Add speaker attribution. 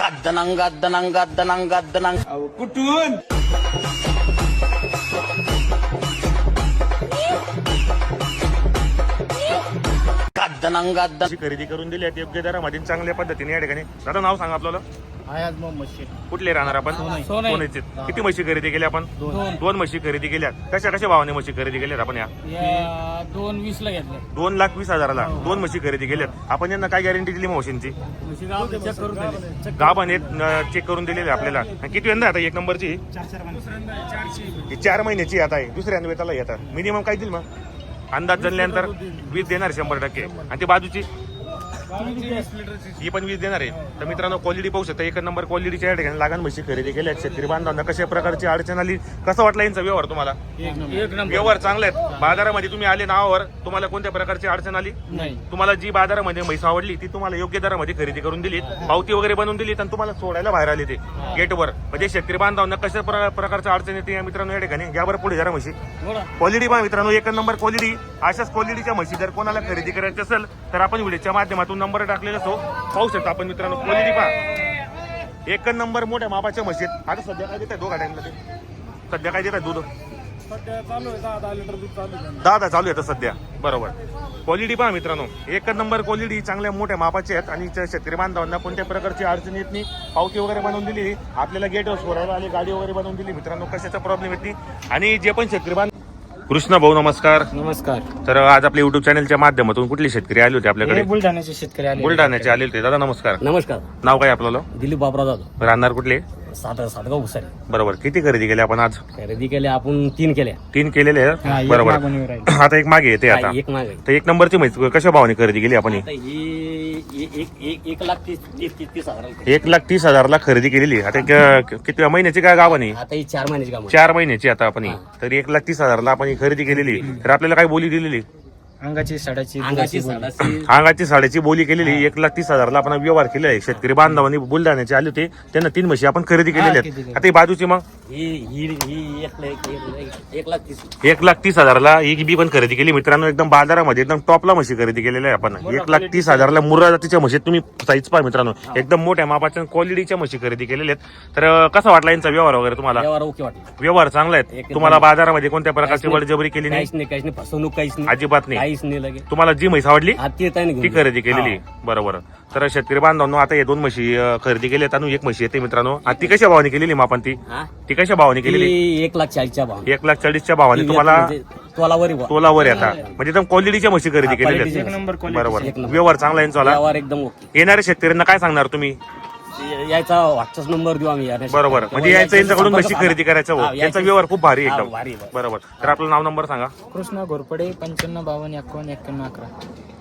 Speaker 1: गद्दनंग गद्दनंग गद्दनंग गद्दनंग
Speaker 2: कुठून
Speaker 1: गद्दनंग गद्दन
Speaker 3: अशी खरेदी करून दिली आहे योग्य दरामध्ये चांगल्या पद्धतीने या ठिकाणी. दादा नाव सांगा आपल्याला.
Speaker 2: आयाज मोहम्मद शेख.
Speaker 3: कुठले राहणार आपण? सोनेचे. किती म्हशी खरेदी केल्या आपण? दोन म्हशी खरेदी केल्या. कशा कशा भावाने म्हशी खरेदी केल्यात आपण? या
Speaker 2: 220 ला घेतले.
Speaker 3: 2,20,000ला दोन म्हशी खरेदी केल्यात आपण. यांना काय गॅरंटी दिली म्हशींची? गाभ आणि चेक करून दिलेले आपल्याला. किती यंदा आता एक नंबरची? ही 4 महिन्याची आता आहे. दुसऱ्या वेताला येतात. मिनिमम काय देईल मग अंदाज जनल्यानंतर? 20 देणार 100%. आणि ती बाजूची ही पण 20 देणार आहे. तर मित्रांनो क्वालिटी पाहू शकता. एक नंबर क्वालिटीच्या या ठिकाणी लागण म्हशी खरेदी केल्या. शेतकरी बांधवांना कशा प्रकारची अडचण आली, कसं वाटलं यांचा व्यवहार तुम्हाला? व्यवहार चांगले आहेत. बाजारामध्ये तुम्ही आले नावावर, तुम्हाला कोणत्या प्रकारची अडचण आली नाही? तुम्हाला जी बाजारामध्ये म्हैस आवडली ती तुम्हाला योग्य दरामध्ये खरेदी करून दिली, पावती वगैरे बनवून दिली आणि तुम्हाला सोडायला बाहेर आले ते गेटवर. म्हणजे शेतकरी बांधवांना कशा प्रकारच्या अडचण येते या मित्रांनो या ठिकाणी. यावर पुढे जरा म्हशी क्वालिटी पहा मित्रांनो. एक नंबर क्वालिटी. अशाच क्वालिटीच्या म्हशी जर कोणाला खरेदी करायची असेल तर आपण व्हिडिओच्या माध्यमातून नंबर टाकलेला असो, पाहू शकता आपण मित्रांनो. क्वालिटी पहा एक नंबर मोठ्या मापाच्या म्हशीत. आता सध्या काय देत आहे? 2 गाड्यांना ते सध्या काय देत आहे? दूध
Speaker 2: चालू आहे 10 लिटर दूध चालू आहे.
Speaker 3: 10 चालू आहे सध्या. बरोबर. क्वालिटी पहा मित्रांनो. एक नंबर क्वालिटी. चांगल्या मोठ्या मापाचे आहेत आणि शेतकरी बांधवांना कोणत्या प्रकारची अडचण येत नाही. पावती वगैरे बनवून दिली आपल्याला. गेटवर सोडायला आली, गाडी वगैरे बनवून दिली मित्रांनो. कशाचा प्रॉब्लेम येत नाही. आणि जे पण शेतकरी बांधव. कृष्णा भाऊ नमस्कार.
Speaker 2: नमस्कार.
Speaker 3: तर आज आपल्या युट्यूब चॅनलच्या माध्यमातून कुठले शेतकरी आले होते आपल्याकडे?
Speaker 2: बुलढाण्याचे शेतकरी आले.
Speaker 3: बुलढाण्याचे आले होते. दादा नमस्कार.
Speaker 4: नमस्कार.
Speaker 3: नाव काय आपल्याला?
Speaker 4: दिलीप बाबराव जाधव.
Speaker 3: राहणार कुठले?
Speaker 4: सातगाव उसारी.
Speaker 3: बरोबर. किती खरेदी केली आपण आज?
Speaker 4: खरेदी केल्या आपण 3 केल्या.
Speaker 3: 3 केलेले आहेत. बरोबर. आता एक मागे येते. आता
Speaker 4: एक मागे.
Speaker 3: तर एक नंबरची म्हैस कशा भावाने खरेदी केली आपण?
Speaker 4: आता ही 1,30,000.
Speaker 3: 1,30,000ला खरेदी केलेली. आता किती महिन्याची काय गावाने?
Speaker 4: आता ही 4 महिन्याची काम.
Speaker 3: 4 महिन्याची आता आपण. तर 1,30,000ला आपण ही खरेदी केलेली. तर आपल्याला काय बोली दिलेली?
Speaker 2: अंगाची साडाची
Speaker 3: अंगाची साड्याची बोली केलेली. 1,30,000ला आपण व्यवहार केलेला आहे. शेतकरी बांधवांनी बुलढाण्याचे आले होते, त्यांना 3 म्हशी आपण खरेदी केलेल्या आहेत. आता ही बाजूची मग
Speaker 4: ही 1,30,000.
Speaker 3: 1,30,000ला ही बी पण खरेदी केली मित्रांनो. एकदम बाजारामध्ये एकदम टॉपला म्हशी खरेदी केलेल्या आहे आपण. 1,30,000ला मुर्रा जातीच्या म्हशी. तुम्ही साईज पहा मित्रांनो. एकदम मोठ्या मापाच्या क्वालिटीच्या म्हशी खरेदी केलेल्या आहेत. तर कसा वाटला यांचा व्यवहार वगैरे तुम्हाला?
Speaker 4: व्यवहार ओके वाटला.
Speaker 3: व्यवहार चांगला आहे. तुम्हाला बाजारामध्ये कोणत्या प्रकारची बळजबरी केली नाही?
Speaker 4: काहीच नाही. फसवणूक काहीच नाही.
Speaker 3: अजिबात नाही.
Speaker 4: काहीच नाही लगे.
Speaker 3: तुम्हाला जी म्हैस आवडली ती खरेदी
Speaker 4: घेऊन
Speaker 3: केलेली. बरोबर. तर शेतकरी बांधवांनो आता हे 2 म्हशी खरेदी केल्यात आणि 1 म्हशी येते मित्रांनो. आता ती कशा भावाने केलेली मग आपण? ती कशा भावाने केलेली?
Speaker 4: 1,40,000च्या भाव.
Speaker 3: 1,40,000च्या भावाने तुम्हाला तोलावर आता म्हणजे एकदम क्वालिटीच्या म्हशी खरेदी केलेल्या आहेत. बरोबर. व्यवहार चांगला यांचा.
Speaker 4: व्यवहार एकदम ओके.
Speaker 3: येणाऱ्या शेतकऱ्यांना काय सांगणार तुम्ही?
Speaker 4: याचा व्हॉट्सअप नंबर देऊ आम्ही.
Speaker 3: बरोबर. म्हणजे यायचं यांच्याकडून म्हशी खरेदी करायचं हो. यांचा व्यवहार खूप भारी एकदम.
Speaker 4: भारी.
Speaker 3: बरोबर. तर आपलं नाव नंबर सांगा.
Speaker 2: कृष्णा घोरपडे 95 52 51 91 11.